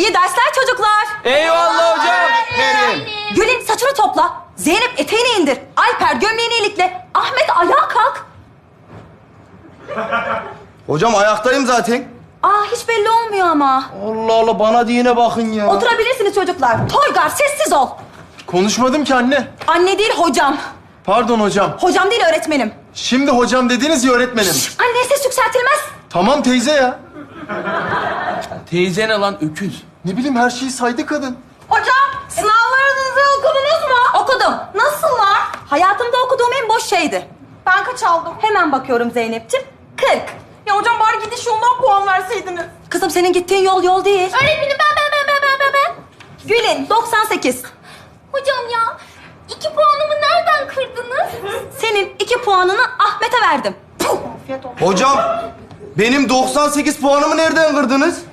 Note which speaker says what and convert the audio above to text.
Speaker 1: İyi dersler çocuklar.
Speaker 2: Eyvallah hocam.
Speaker 3: Benim.
Speaker 1: Gül'ün saçını topla. Zeynep eteğini indir. Alper gömleğini ilikle. Ahmet ayağa kalk.
Speaker 3: Hocam ayaktayım zaten.
Speaker 1: Aa hiç belli olmuyor ama.
Speaker 3: Allah Allah bana diyene bakın ya.
Speaker 1: Oturabilirsiniz çocuklar. Toygar sessiz ol.
Speaker 2: Konuşmadım ki anne.
Speaker 1: Anne değil hocam.
Speaker 2: Pardon hocam.
Speaker 1: Hocam değil öğretmenim.
Speaker 2: Şimdi hocam dediniz ya öğretmenim.
Speaker 1: Anneye ses yükseltilmez.
Speaker 2: Tamam teyze ya.
Speaker 4: Teyze ne lan öküz?
Speaker 2: Ne bileyim her şeyi saydı kadın.
Speaker 1: Hocam sınavlarınızı okudunuz mu? Okudum. Nasıllar? Hayatımda okuduğum en boş şeydi. Ben kaç aldım? Hemen bakıyorum Zeynep'ciğim. 40.
Speaker 5: Ya hocam bari gidiş yoldan puan verseydiniz.
Speaker 1: Kızım senin gittiğin yol yol değil.
Speaker 5: Öğretmenim ben.
Speaker 1: Gül'ün 98.
Speaker 5: Hocam ya 2 puanımı nereden kırdınız?
Speaker 1: Senin 2 puanını Ahmet'e verdim. Puh!
Speaker 3: Hocam benim 98 puanımı nereden kırdınız?